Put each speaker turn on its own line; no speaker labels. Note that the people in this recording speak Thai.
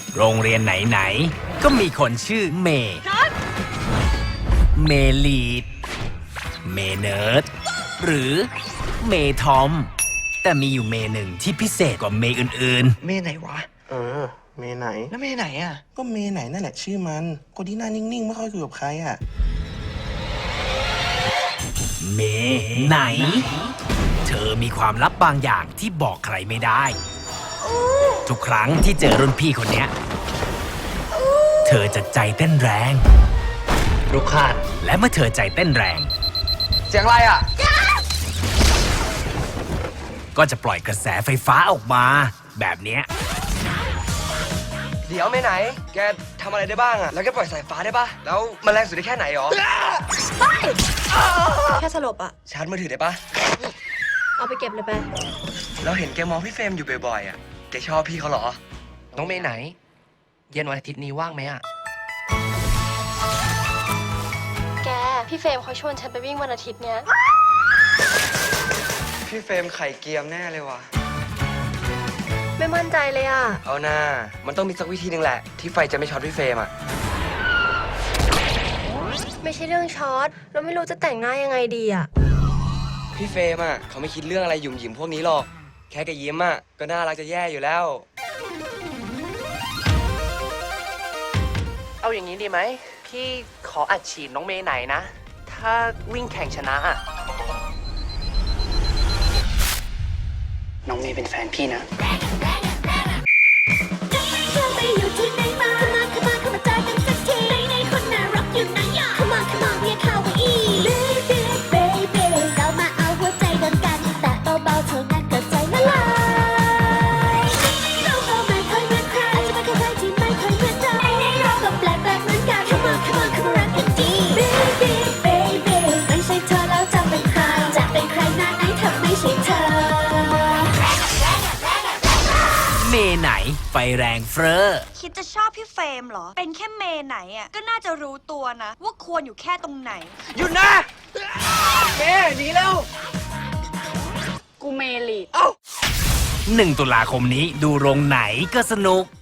โรงเรียนไหนๆก็มีคนชื่อเมย์เมลีดเมเนิร์ดหรือเมทอม แต่มีอยู่เมหนึ่งที่พิเศษกว่าเมอื่น
เมไหนวะ
เมไหน
แล้วเมไหนอ่ะ
ก็เมไหนนั่นแหละชื่อมันคนที่หน้านิ่งๆไม่ค่อยคุยกับใครอ่ะ
ๆ เมไหน เธอมีความลับบางอย่างที่บอกใครไม่ได้ ทุกครั้งที่เจอรุ่นพี่คนเนี้ย เธอจะใจเต้นแรง
ลูกคาน
และเมื่อเธอใจเต้นแรง
เสียงอะไรอ่ะ
ก็จะปล่อยกระแสไฟฟ้าออกมา แบบเนี้ย
เดี๋ยวเมไหน แกทำอะไรได้บ้างอ่ะ แล้วแกปล่อยสายฟ้าได้ปะแล้วมันแรงสุดได้แค่ไหนหรอ
แค่สลบอะ
ชาร์จมือถือได้ปะ
เอาไปเก็บเลยไป
เราเห็นแกมองพี่เฟรมอยู่บ่อยๆอ่ะ แกชอบพี่เขาเหรอ
น้องเมย์ไหน เย็นวันอาทิตย์นี้ว่างไหมอะ
แก พี่เฟรมเขาชวนฉันไปวิ่งวันอาทิตย์เนี้ย
พี่เฟรมไข่เกียมแน่เลยว่ะ
ไม่มั่นใจเลยอะ
เอาหน้า มันต้องมีสักวิธีหนึ่งแหละ ที่ไฟจะไม่ช็อตพี่เฟรมอ่ะ
ไม่ใช่เรื่องช็อตเราไม่รู้จะแต่งหน้ายังไงดีอะ
พี่เฟรมอ่ะเขาไม่คิดเรื่องอะไรหยุ่มหยิมพวกนี้หรอก แค่แกยิ้มอ่ะก็น่ารักจะแย่อยู่แล้ว
เอาอย่างนี้ดีไหม พี่ขออัดฉีดน้องเมย์ไหนนะ ถ้าวิ่งแข่งชนะอะน้องเมย์เป็นแฟนพี่นะ
เธอไปอยู่ที่ไหนมาเข้ามาเจอกันสักทีไหนคนน่ารักอยู่ไหนอ่ะ Come on come on เรียกเขาว่าอีbaby เรามาเอาหัวใจเดินกันแต่เบาๆเท่านั้นก็ใจละลายเราก็ไม่เคยเหมือนใครอาจจะไม่เคยใครที่ไม่เคยเหมือนเราเราก็แปลกเหมือนกัน Come on come on รักกันดี baby ไม่ใช่เธอแล้วจะเป็นใครจะเป็นใครหน้าไหนถ้าไม่ใช่เธอ
เมไหนไฟแรงเฟ้อ
คิดจะชอบพี่เฟรมเหรอ เป็นแค่เมย์ไหนอ่ะ ก็น่าจะรู้ตัวนะ ว่าควรอยู่แค่ตรงไหน
หยุดนะเมหนีแล้ว
กูเมลีด
1 ตุลาคมนี้ดูโรงไหนก็สนุก